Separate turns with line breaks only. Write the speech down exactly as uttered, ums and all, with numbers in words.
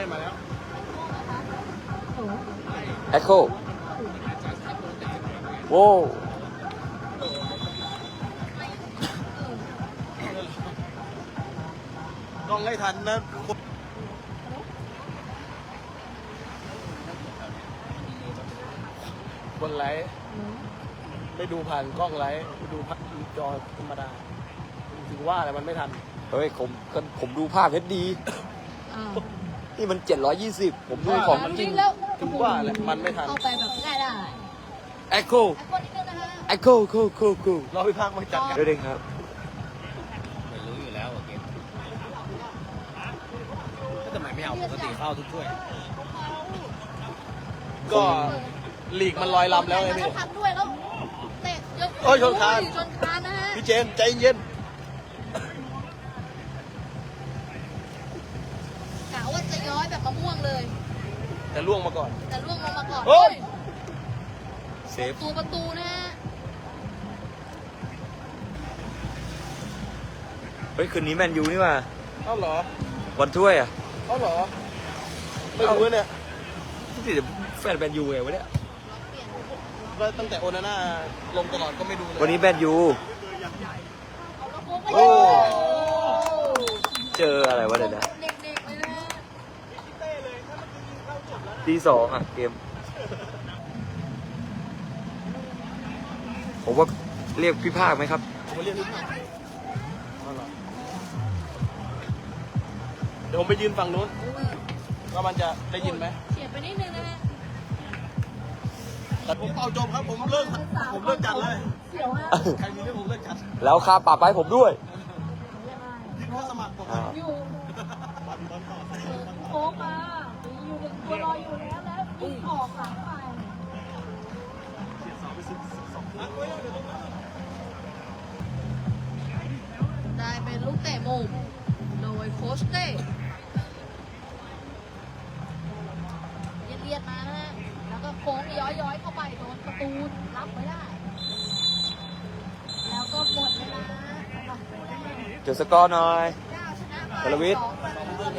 มาแล้ว
แอคโคโว้
กล้องให้ทันนะบนไลท์ไม่ดูผ่านกล้องไลท์ไปดูพัดจอธรรมดาถึงว่าอะไรมันไม่ทัน
เฮ้ยผมผมดูภาพเฮดดีนี่มันเจ็ดร้อยยี่สิบผมดูของจริง
ถึงว่าแหละมันไม่ทัน
เข้าไปแบบง่ายได้
แอคโคแอคโคโคโคโค
รอพี่ภาคมาจัดกัน
ด้วยเด้งครับ
ไม่รู้อยู่แล้วเกมก็ทำไมไม่เอาปกติเข้าทุกถ้วย
ก็ลีกมันลอยลำแล้วไงพี่
ทำด้วยแล้วเตะเยอะ
โอ้ยชนคาน
ชนคานนะฮะ
พี่เจนใจเย็น
กะว่าจะย้อยแบบมะม่วงเลย
แต่ล่วงมาก่อน
แต่ล่วงลงมาก่อน
โอ้ย
เซฟ
ตัวประตูนะฮะ
เฮ้ยคืนนี้แมนยูนี่ว่า
เอ้าเหรอ
วันถ้วยอ่ะ
เอ้าเหรอไม่รู้เนี่ย
ที่แฟนแมนยูไงวะเนี่ย
แล้วตั้งแต่โอนาน่าลงตลอดก็ไม่ดูเลย
วันนี้แมนยู
โอ้
เจออะไรวะเนี่ยนะ
เด็กๆเลยนะ
ตีสองอ่ะเกมผมว่าเรียกพี่ภาคไหมครับ
ผมเรียกพี่ภาคเดี๋ยวผมไปยืนฝั่งนู้นว่ามันจะได้ยินไหม
เฉียบไปนิดนึงนะฮะ
แต่ผมเป่าจบครับผมเลิกผมเลิกจัดเลย
เสียวฮะ
ใครมีเรื่องผมเลิกจัด
แล้วค่าปรับไปผมด้วย
ยึดค่าสมัครผม
อยู่โค้งมาอยู่หนึ่งตัวรออยู่แล้วแล้วยิงออกหลังไปได้เป็นลูกเตะมุมโดยโค้ชเต้เลียดมาฮะแล้วก็โค้งย้อยๆเข้าไปโดนประตูรับไม่ได้แล้วก็หมดเวลา
จดสกอร์หน่อย
เจ้าชนะไป
กรวิทย์